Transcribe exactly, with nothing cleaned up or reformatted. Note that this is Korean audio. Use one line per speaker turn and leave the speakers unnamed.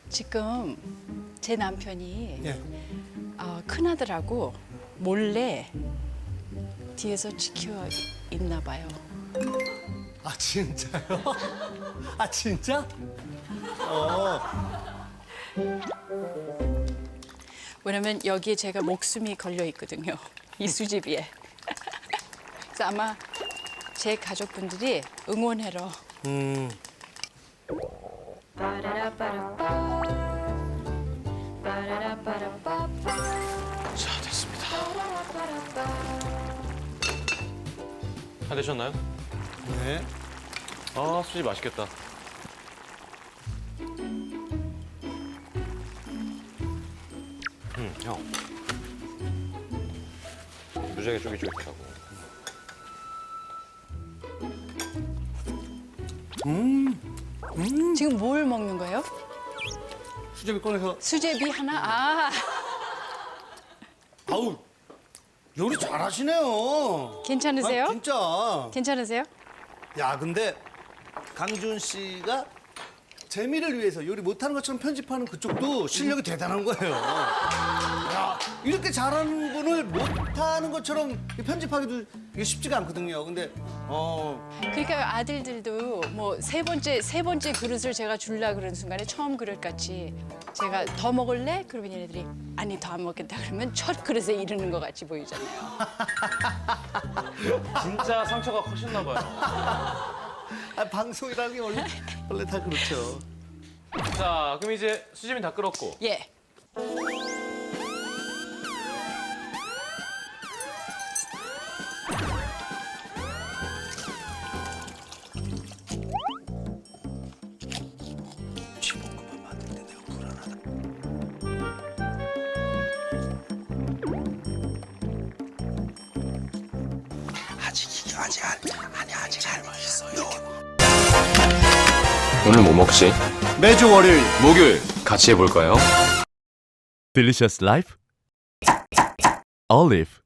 지금 제 남편이
예.
어, 큰아들하고 몰래 뒤에서 지켜 있나 봐요.
아 진짜요? 아 진짜? 어.
왜냐면 여기에 제가 목숨이 걸려 있거든요. 이 수제비에. 그래서 아마 제 가족분들이 응원하러.
음.
자, 됐습니다. 다 되셨나요?
네.
아, 수지 맛있겠다. 음, 형. 무지하게 쫄깃쫄깃하고.
지금 뭘 먹는 거예요?
수제비 꺼내서.
수제비 하나? 아,
아우 요리 잘하시네요.
괜찮으세요?
아, 진짜.
괜찮으세요?
야 근데 강준 씨가 재미를 위해서 요리 못하는 것처럼 편집하는 그쪽도 실력이 대단한 거예요. 야 이렇게 잘하는 분을 못하는 것처럼 편집하기도 이게 쉽지가 않거든요. 근데 어
그러니까 아들들도 뭐 세 번째 세 번째 그릇을 제가 줄라 그런 순간에 처음 그릇 같이 제가 더 먹을래? 그러면 얘네들이 아니 더 안 먹겠다 그러면 첫 그릇에 이르는 것 같이 보이잖아요.
진짜 상처가 커셨나 봐요.
아, 방송이라는 게 원래 원래 다 그렇죠.
자, 그럼 이제 수지는 다 끓었고.
예.
쥐볶음밥 만들 때 내가 불안하다. 아직 이게 아직 안 아니 아직 안 맛있어요.
오늘 뭐 먹지?
매주 월요일
목요일 같이 해볼까요?
Delicious Life Olive